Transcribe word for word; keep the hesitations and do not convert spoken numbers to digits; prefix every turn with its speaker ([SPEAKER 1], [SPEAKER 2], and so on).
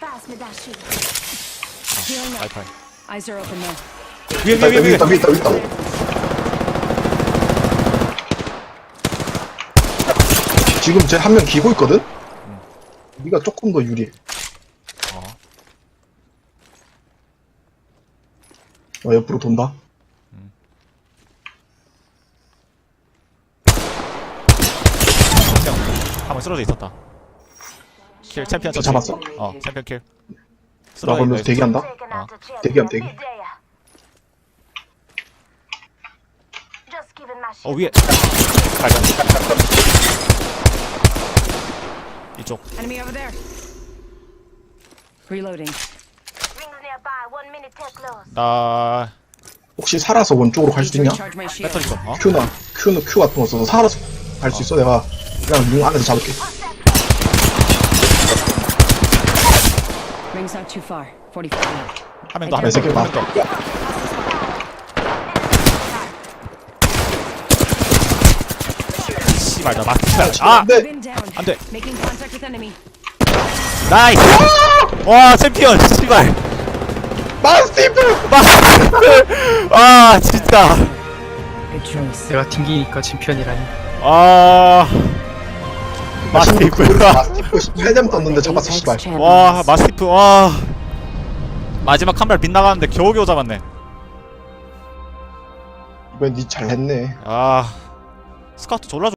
[SPEAKER 1] 와이파이.
[SPEAKER 2] Eyes are open now.
[SPEAKER 1] 위에
[SPEAKER 3] 있다
[SPEAKER 1] 위에
[SPEAKER 3] 있다
[SPEAKER 1] 위에
[SPEAKER 3] 위에 있다
[SPEAKER 1] 위에.
[SPEAKER 3] 위에 있다 위에 있다. 지금 쟤 한 명 기고 있거든? 우리가 조금 더 유리해.
[SPEAKER 1] 어.
[SPEAKER 3] 어, 옆으로 돈다.
[SPEAKER 1] 한번 쓰러져 있었다. 킬 챔피언
[SPEAKER 3] 저
[SPEAKER 1] 처치.
[SPEAKER 3] 잡았어?
[SPEAKER 1] 어 챔피언 킬.
[SPEAKER 3] 나 걸면서 대기한다.
[SPEAKER 1] 어.
[SPEAKER 3] 대기함 대기.
[SPEAKER 1] 어 위에. 발견. 이쪽.
[SPEAKER 2] Enemy over there. Reloading.
[SPEAKER 1] 나
[SPEAKER 3] 혹시 살아서 원쪽으로 갈 수 있냐?
[SPEAKER 2] Recharge my shield.
[SPEAKER 1] 배터리 좀. 어?
[SPEAKER 3] Q나 Q는 Q 같은 거 써서 살아서 갈 수 있어. 내가 그냥 용 안에서 잡을게.
[SPEAKER 2] Ring's not too far. forty-five left.
[SPEAKER 1] 한 명 더, 한
[SPEAKER 3] 내
[SPEAKER 1] 명 더,
[SPEAKER 3] 새끼 봐.
[SPEAKER 1] 한 명 더. 씨발 나 막히다. 아,
[SPEAKER 3] 네.
[SPEAKER 2] Been down.
[SPEAKER 1] 안 돼.
[SPEAKER 2] Making contact with enemy.
[SPEAKER 1] 나이스. 와 챔피언. 씨발.
[SPEAKER 3] 마스티프.
[SPEAKER 1] 아 진짜.
[SPEAKER 2] Good choice.
[SPEAKER 4] 내가 튕기니까 챔피언이라니.
[SPEAKER 1] 아 마스티프.
[SPEAKER 3] 마스티프 십팔 점 떴는데 잡았어 씨발.
[SPEAKER 1] 와 마스티프. 와 마지막 한 발 빗나가는데 겨우겨우 잡았네.
[SPEAKER 3] 이번엔 니 잘했네.
[SPEAKER 1] 아 스카우트 졸라.